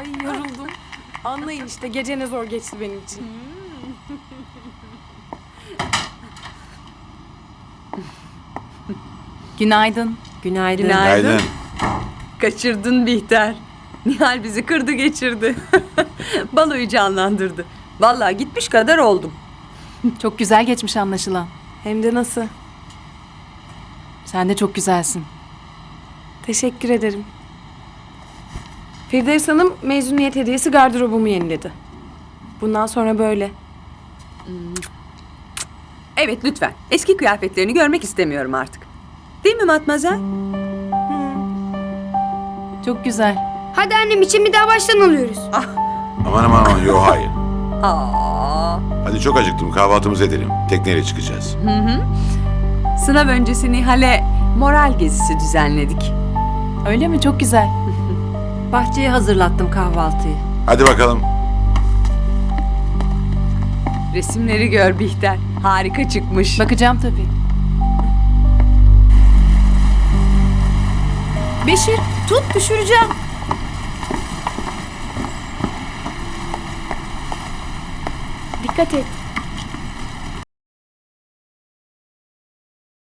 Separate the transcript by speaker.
Speaker 1: Ay yoruldum. Anlayın işte gece ne zor geçti benim için.
Speaker 2: Günaydın.
Speaker 3: Günaydın.
Speaker 4: Günaydın.
Speaker 3: Kaçırdın Bihter. Nihal bizi kırdı geçirdi. Baloyu canlandırdı. Vallahi gitmiş kadar oldum.
Speaker 2: Çok güzel geçmiş anlaşılan.
Speaker 1: Hem de nasıl?
Speaker 2: Sen de çok güzelsin.
Speaker 1: Teşekkür ederim. Firdevs Hanım mezuniyet hediyesi gardırobumu yeniledi. Bundan sonra böyle.
Speaker 3: Evet lütfen. Eski kıyafetlerini görmek istemiyorum artık. Değil mi Matmazel?
Speaker 2: Çok güzel.
Speaker 5: Hadi annem için bir daha baştan alıyoruz.
Speaker 4: Aman yok hayır.
Speaker 3: Aa.
Speaker 4: Hadi çok acıktım kahvaltımızı edelim. Tekneyle çıkacağız.
Speaker 3: Sınav öncesi Nihal'e moral gezisi düzenledik.
Speaker 2: Öyle mi? Çok güzel.
Speaker 6: Bahçeye hazırlattım kahvaltıyı.
Speaker 4: Hadi bakalım.
Speaker 3: Resimleri gör Bihter. Harika çıkmış.
Speaker 2: Bakacağım tabii. Beşir, tut düşüreceğim.
Speaker 1: Dikkat et.